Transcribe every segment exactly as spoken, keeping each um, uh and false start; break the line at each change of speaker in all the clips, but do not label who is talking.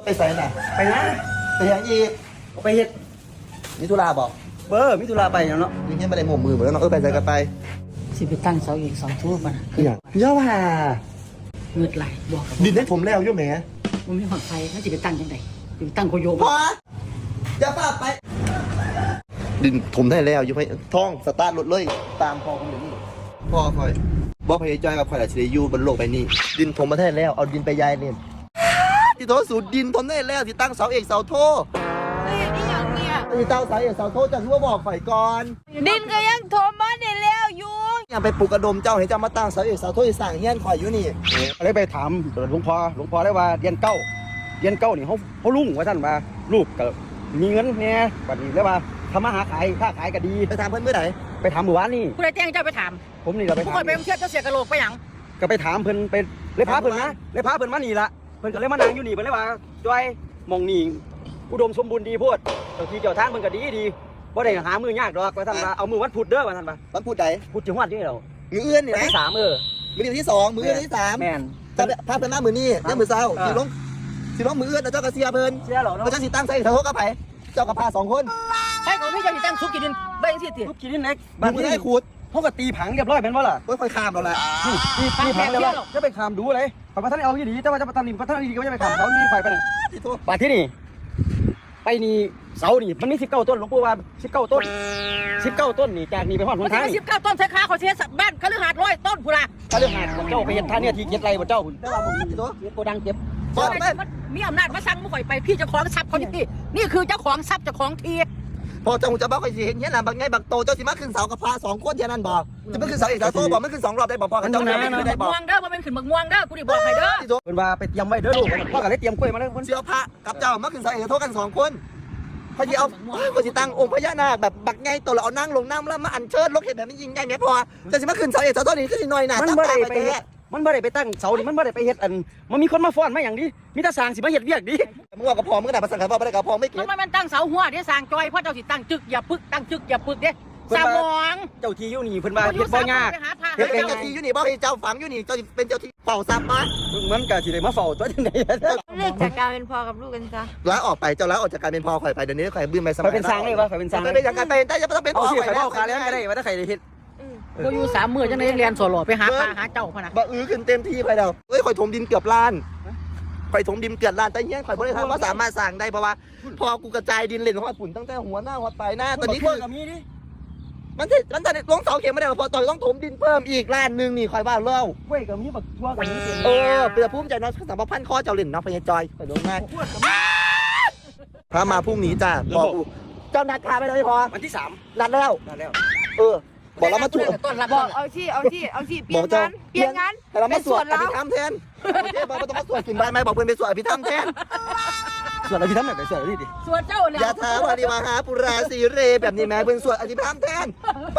ไปใส่น่ะ
ไปนะ
ไปยังอีก
ไปเฮ็ด
มิถุลาบอก
เบอร์มิถุลาไปเนาะ
ยังเห็นไม่ได้หมกมือเหมือนกันเนาะเออไปใส่กันไป
สิไปตั้งเสาอีกเสาทั่วปะนะ
คืออย่างย่าว่า
เงือดไหลบอกกับ
ดินให้ผมแล้วยุ่แหม
มันมีหอดไฟแล้วสิไปตั้งยังไงสิไปตั้งโคโย
พออย่าป้าไป ดินถมได้แล้วยุ่ให้ท่องสตาร์ทรถเลยตามพ่อผมอยู่นี่พ่อคอยบอกพยายจอยกับคอยอาชีพอยู่บนโลกใบนี้ ดินถมมาได้แล้วเอาดินไปยายเล่นที่โทษสูตรดินถมได้แล้วที่ตั้งเสาเอกเสาโท
เฮ้ยนี่อย่างเนี้ย
ที่ตั้งเสาเอกเสาโทจะคือว่าบอกฝ่ายก่อน
ดินก็ยังโถมบ้านได้แล้วอยู่
อย่าไปปลูกกระดมเจ้าให้เจ้ามาตั้งเสาเอกเสาโทที่สั่งเงี้ยนคอยอยู่นี่
อะไรไปถามหลวงพ่อหลวงพ่อได้ว่าเรียนเก้าเรียนเก้านี่เขาเขาลุงว่าท่านว่าลูกก็มีเงินเนี่ยบัดนี้แล้วว่าทำมาหาขายค้าขายก็ดี
ไปถามเพื่อนเมื่อไหร่
ไปถามหมู่บ้านนี่
ผู้ใดแจ้งเจ้าไปถาม
ผมนี่เราไป
ผู้
ถา
ค
ม
นไปเทียบเจ้าเสียกระโหลกไปหยัง
ก็ไปถามเพิ่นไปเลยพาเพิ่นมาเลยพาเพิ่นมานี่ละเพิ่นก็เลยมานั่งอยู่นี่เพิ่นเลยว่าจอยมองนี่อุดมสมบูรณ์ดีโพดเจ้าที่เจ้าทางเพิ่นก็ดีดีบ่ได้หามือยากดอกว่าท่านว่าเอามือวันพุธเด้อว่าท่านว่า
วันพูดใด
พุธจังหวัดนี่เหรอ
มือเอื้อนนี่
วัน
นะ
ที่สามเออ
มือที่สองมือเอื้อนที่สาม
แม่น
ถ้าถ้าเป็นหน้ามือนี่เนี่ยมือเศร้าสิลงสิลงมือเอื้อนแล้วเจ้ากระเซียเพิ่น
เสียเหรอ
แล้ว
เนาะ
เจ้าสิตั้งใส่เสาโทกับไผเจ้ากับพาสองคน
ใช่ของพี่เจ้าสิตั้งซุกกินดินใบยังสิติ
ลูกกินนี่เน็ก
บ้านที่ได้ขุด
เขาก็ตีผังเรียบร้อยเป็นว่าล่ะ
ก็ค่อยข้ามเราแหละ
นี่ตีตีผังเรียบร้อยจะไปขามดูเลยขอยประท่านเอาอยู่ดีแต่ว่าจะประท่านนี่ประท่านดีก็จะไปขามเขานี่ไปไปนั่น
ที่โทษ
บาทที่นี่ไปนี่เสานี่มันมีสิบเก้าต้นหลวงปู่ว่าสิบเก้าต้นสิบเก้าต้นนี่จากนี่ไปหอดห
มัน
น
จะ
ทาง
มาสิบเก้าต้นใช้ขาเขาเสียบ้านคฤหาสน์ร้อยต้นพูละ
ถ้าเรื่องหาดเจ้าไปเห็นท่าเนี่ยที่เกียรติไรบ่เจ้า
แต่ว่าผมที่โทษ
โกดังเก็บ
บอกไป
มันมีอำนาจมาสั่งมาข่อยไปพี่เจ้าของทรัพย์เขานี่พี่นี่คือเจ้าของทรัพย์เจ้าของที
พอเจ้าหูจะบอกใครสิเห็นเงี้ยนะบางไงบางโตเจ้าสิมาขึ้นเสากับพาสองคนเท่านั้นบอกจะไม่ขึ้นเสาเอกเสาโทบอกไม่ขึ้นสองรอบได้บอกพอกันเจ้าไม่
เป็น
ขึ้น
ขึ้น
ได้
บัก
บอก
ม่วงเด้อมันเป็นขึ้นบักม่วงเด้อกูดิบอกให้เด้อ
ที่โทษ
เพิ่นว่าไปเตรียมไว้เด้อลูกพ่อก็เลยเตรียมกล้วยมาแล้วเพิ่น
เสียวพระกับเจ้ามาขึ้นเสาเอกเสาโทกันสองคนเขาจะเอาเขาจะตั้งองค์พญานาคแบบบักไงตัวเราเอานั่งลงน้ำแล้วมาอัญเชิญลกเห็นแบบนี้ยิงใหญ่ไหมพอจะสิมาขึ้นเสาเอกเสาโทนี่ขึ้นสิหน่อยหนา
มัน
จับ
บ่
ตา
ได้
ไป
ไปเฮ็
แท้
ดมันบ่ได้ไปตั้งเสานี่มันบ่ได้ไปเฮ็ดอันมันมีคนมาฟ้อนมาอย่างดีมีแต่สร้างสิมาเฮ็ดเวียกดี
มึงว่ากับพอมึงก็ได้ภาษาขันพ่อไม่ได้กับพอไม่เก็
มัน
บ
มันมันตั้งเสาหัวเดี๋ยวสร้างจอยเพราะเจ้าสิตั้งจึกอย่าปึกตั้งจึกอย่าปึกเด้สามอง
เจ้าที่อยู่นี่เพิ่นว่าเฮ็ดบ่ยาก
ไปหาพระ
เฮ็ดเป็นเจ้าที่อยู่นี่บ่ให้เจ้าฝังอยู่นี่เจ้าเป็นเจ้าที่เป่าซับมา
มันก็สิได้มาเฝ้าตัวจังได๋
เลิกจากการเป็นพ่อกับลูกกันซะ
ลาออกไปเจ้าลาออกจากการเป็นพ่อข่อยไปเดี๋ยวนี้ข่อยบื้มไปส
ไป
มัย
เป็นสร้างได้บ่ไปเป็นสร้าง
ไปเป็นอย่างการเป็นได้จะต้องเป็น
เอา
พ่อ
สิ
ข่อย
ไปเฝ้าคาแล้วก็ได้ว่าถ้าใครได้เฮ็ด
กูอยู่สามมื้อจังได๋เรียนสวหล่อไปหาปลาหาเจ้าพะนะ
บ่อื้อขึ้นเต็มที่ข่อยแล้วเอ้ยข่อยถมดินเกือบล้านข่อยถมดินเกือบล้านแต่เฮียข่อยบ่ได้ทำว่าสามารถสร้างได้เพราะว่าพอกูกระจายดินเล่นของฝุ่นตั้งแต่หัวหน้าหัวปลายหน้าตอนนี้คือ
ก็มีดิ
มันจะมันจะลงเสาเข็มไม่ได้พอตอนต้องถมดินเพิ่มอีกล้านนึงนี่ข่อยว่าเล่า
กล้วยก็มีบักทั่วก็มีเต็ม
เออเปลือกภูมิใจเนาะสามพันข้อเจ้าเล่นเนาะพญาจอยข่อยโดนง่ายพามาพรุ่งนี้จ้าบอกกูเจ้านัดพาไปเลยพอ
วันที่สาม
นัดแล้ว
นั่นแล้ว
เออ บอกเรามาสวด
ต้นรับ
บ
ต้
อก
น
เอาที่เอาที่เอาที่เป
บ
ลี่
อย ก
น
เจ้าง
านเปลี่ยนงาน
ให้เรามาสวด
เป็น
อภิธรรมแทนโอเคบอกว่าต้องมาสวดกินใบไม้บอกเพื่อนไปสวดอภิธรรมแทน
ส่วนอะไรพี่ทำแบบไหนส่วนอะไรดิ
ส่วนเจ้าเนี่ย
ยาทาวาริวาหาปุราสีเรแบบนี้แม่เพื่อนสวดอภิธรรมแทน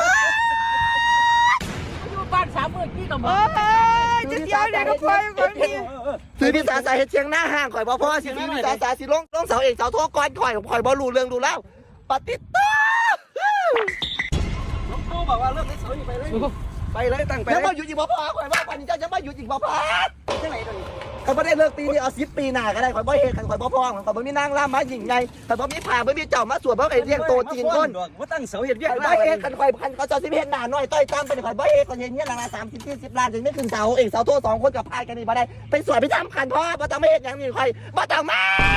อยู่บ้านสามมื้อกี้ก็หม
โอ้
ด
ยจะเดียวเดี๋ยวก็ไปคนนี้
ซื้อพิซซ่าสายเฮ็ดเชียงหน้าห้างข่อยบ่พ่อสิซื้อพิซซ่าสายสิลงลงเสาเอกเสาโทก่อนข่อยข่อยบ่รู้เรื่องดูแล้วปฏิโต
น้องโตบอกว่าเลิกเล่นเสาอยู่ไปเลยไปเลยตั้งไป
ยัง
เล
มาย อยู่อีกบ่พ่อข่อยว่าปันนี้เจ้ายังมาอยู่อีกบ่พ่อ
ที่ไหนตอนนี้
ข่อยบ่ได้เลิกปีนี้เอาสิบปีหน้าก็ได้ข่อยบ่เฮ็ดข่อยบ่พ่อข่อยบ่มีนางรำมายิ่งใหญ่ข่อยบ่มีผ่าบ่มีเจ้ามาสวดบ่ไอ้เลี้ยงโตจีนคน
ว่าตั้งเสาเห็ดเวียก
ข่อยบ่เฮ็ดกันข่อยคันเขาเจ้าสิเฮ็ดหน้าน้อยต้อยตามไปข่อยบ่เฮ็ดข่อยเฮ็ดเงี้ยหลังละสามสิบ ยี่สิบล้านจนไม่ขึ้นเสาเอกเสาโทสองคนกับพายกันนี่บ่ได้ไปสวดไปทำขันพ่อบ่ต้องมาเฮ็ดหยังนี่ข่อยบ่ต้องมา